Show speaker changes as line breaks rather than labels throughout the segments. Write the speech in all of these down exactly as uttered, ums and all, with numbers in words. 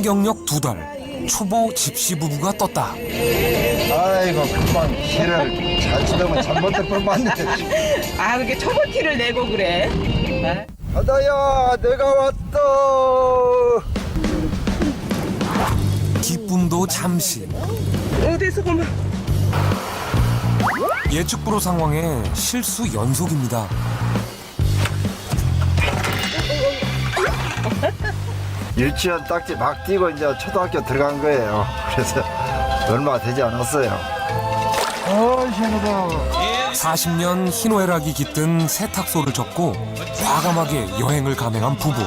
상경력 두 달, 초보 집시 부부가 떴다.
아이고 금방 길을 잘 치다가 잘못될 뻔했네.
아, 그렇게 초보 티를 내고 그래? 아?
바다야 내가 왔다.
기쁨도 잠시.
어디서 보면
예측 불허 상황에 실수 연속입니다.
유치원 딱지 막 뛰고 이제 초등학교 들어간 거예요. 그래서 얼마 되지 않았어요. 어 시원하다.
사십 년 희노애락이 깃든 세탁소를 접고 과감하게 여행을 감행한 부부.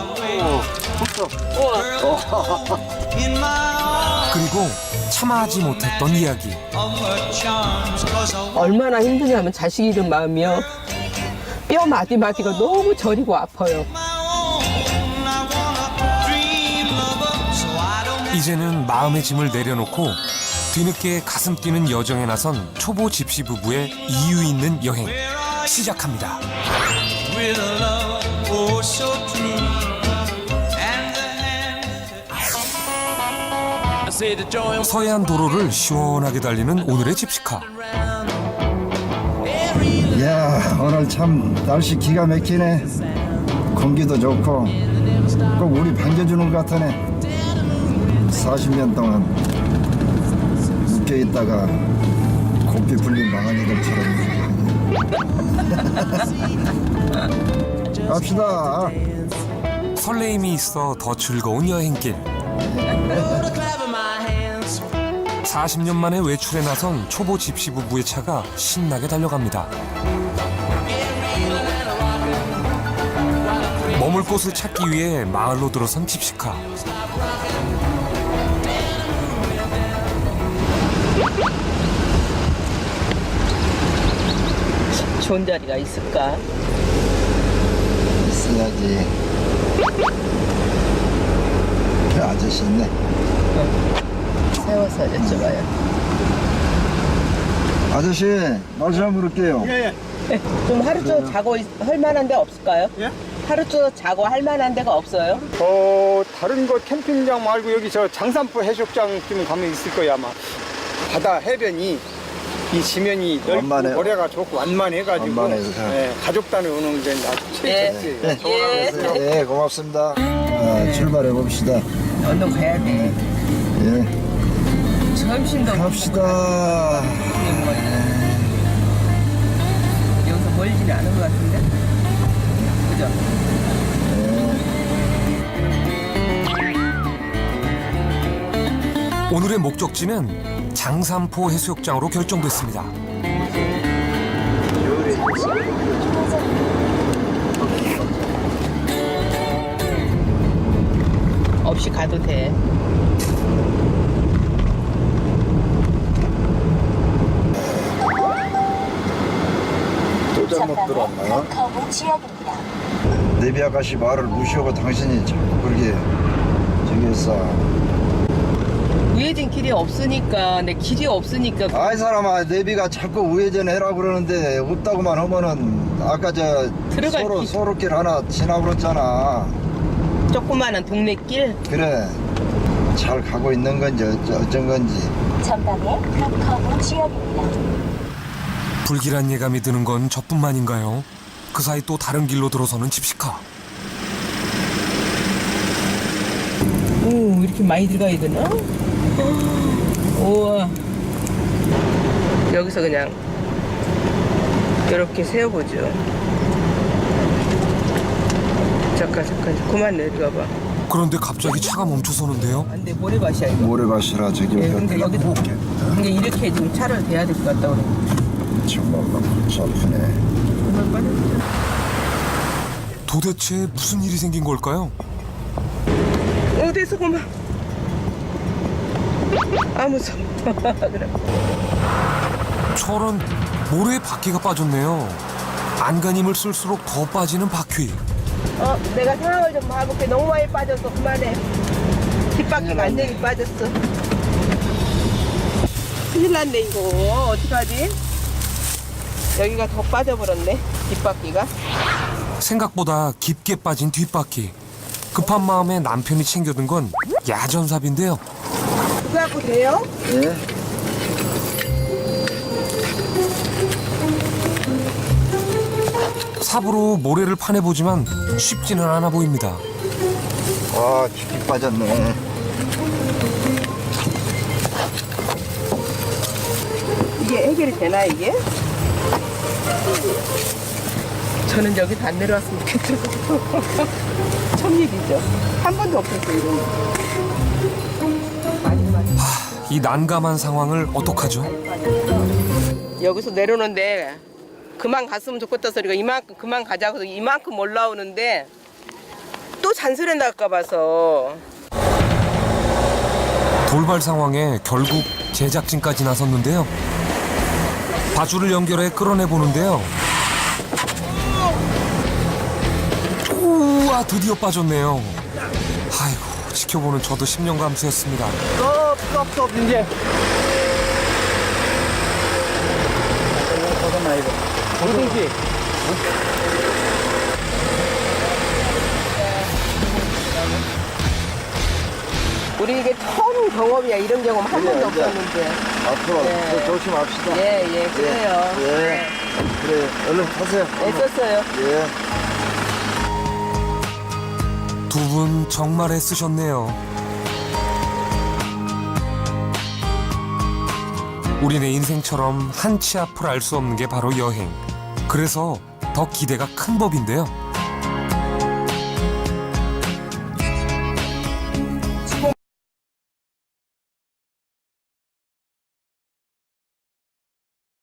그리고 참아하지 못했던 이야기.
얼마나 힘드냐면 자식 잃은 마음이요. 뼈 마디마디가 너무 저리고 아파요.
이제는 마음의 짐을 내려놓고 뒤늦게 가슴 뛰는 여정에 나선 초보 집시 부부의 이유 있는 여행 시작합니다. 서해안 도로를 시원하게 달리는 오늘의 집시카.
야 오늘 참 날씨 기가 막히네. 공기도 좋고 꼭 우리 반겨주는 것 같으네. 사십 년 동안 묶여 있다가 고삐 불린 망아지들처럼 갑시다.
설레임이 있어 더 즐거운 여행길. 사십 년 만에 외출에 나선 초보 집시 부부의 차가 신나게 달려갑니다. 머물 곳을 찾기 위해 마을로 들어선 집시카.
좋은 자리가 있을까?
있어야지. 그 아저씨 있네.
세워서 여쭤봐요.
아저씨 말씀 한번 물을게요.
예, 예.
좀 하루 종일 자고 있- 할 만한 데 없을까요?
예?
하루 종일 자고 할 만한 데가 없어요?
어, 다른 거 캠핑장 말고 여기 저 장산포 해수욕장 좀 가면 있을 거야, 아마. 바다 해변이 이 지면이 넓고
완만해요.
모래가 좋고 완만해가지고
완만해서.
예, 가족 단위 오는 게 아주
예.
최고지.
예.
예, 고맙습니다. 아, 출발해 봅시다.
얼른 가야 돼.
예,
점심도
갑시다.
여기서 멀지는 않은 것 같은데? 그죠?
오늘의 목적지는 장산포 해수욕장으로 결정됐습니다.
없이 가도 돼.
또 잘못 들었나요? 내비 아가씨 말을 무시하고 당신이 자꾸 그렇게 저기 했어.
우회전 길이 없으니까, 내 길이 없으니까.
아이 사람아, 내비가 자꾸 우회전 해라 그러는데 없다고만 하면은 아까 저
들어갈
소로,
길.
소로길 하나 지나버렸잖아.
조그마한 동네 길.
그래, 잘 가고 있는 건지 어쩌, 어쩐 건지.
전방에 북커브 지역입니다.
불길한 예감이 드는 건 저뿐만인가요? 그 사이 또 다른 길로 들어서는 집시카.
오, 이렇게 많이 들어가야 되나? 우와. 여기서 그냥 이렇게 세워보죠. 잠깐, 잠깐, 그만 내려가봐.
그런데 갑자기 차가 멈춰서는데요.
안 돼, 모래밭이야, 이거.
모래밭이라 저기
예, 근데
내가
여기도
볼게.
근데 이렇게 좀 차를 대야 될 것 같다 그래.
정말 골치 아프네.
도대체 무슨 일이 생긴 걸까요?
어디서 그만. 아, 무서워. 그래.
저런 모래에 바퀴가 빠졌네요. 안간힘을 쓸수록 더 빠지는 바퀴.
어, 내가 상황을 좀 봐볼게. 너무 많이 빠졌어. 그만해. 뒷바퀴 완전히 빠졌어. 큰일 났네, 이거. 어떡하지? 여기가 더 빠져버렸네. 뒷바퀴가.
생각보다 깊게 빠진 뒷바퀴. 급한 마음에 남편이 챙겨둔 건 야전삽인데요.
그거 갖고 돼요?
예.
삽으로 모래를 파내보지만 쉽지는 않아 보입니다.
와, 깊이 빠졌네.
이게 해결이 되나 이게? 저는 여기 안 내려왔으면 좋겠어요. 첫 일이죠. 한 번도 없었어요 이런 거. 많이 많이.
이 난감한 상황을 어떡하죠?
여기서 내려오는데 그만 갔으면 좋겠다 소리가 이만큼 그만 가자고 해서 이만큼 올라오는데 또 잔소리 날까 봐서
돌발 상황에 결국 제작진까지 나섰는데요. 바줄을 연결해 끌어내 보는데요. 우와, 드디어 빠졌네요. 아이고, 지켜보는 저도 심령 감수였습니다.
스톱 스톱 스톱 이제 잠깐만 이거 뭐든지
우리 이게 처음 경험이야. 이런 경험 한
그래,
번도
이제.
없었는데.
앞으로
네.
더 조심합시다.
예, 예, 그래요.
예. 그래, 얼른 타세요.
애썼어요.
예.
두 분 정말 애쓰셨네요. 우리네 인생처럼 한치 앞을 알 수 없는 게 바로 여행. 그래서 더 기대가 큰 법인데요.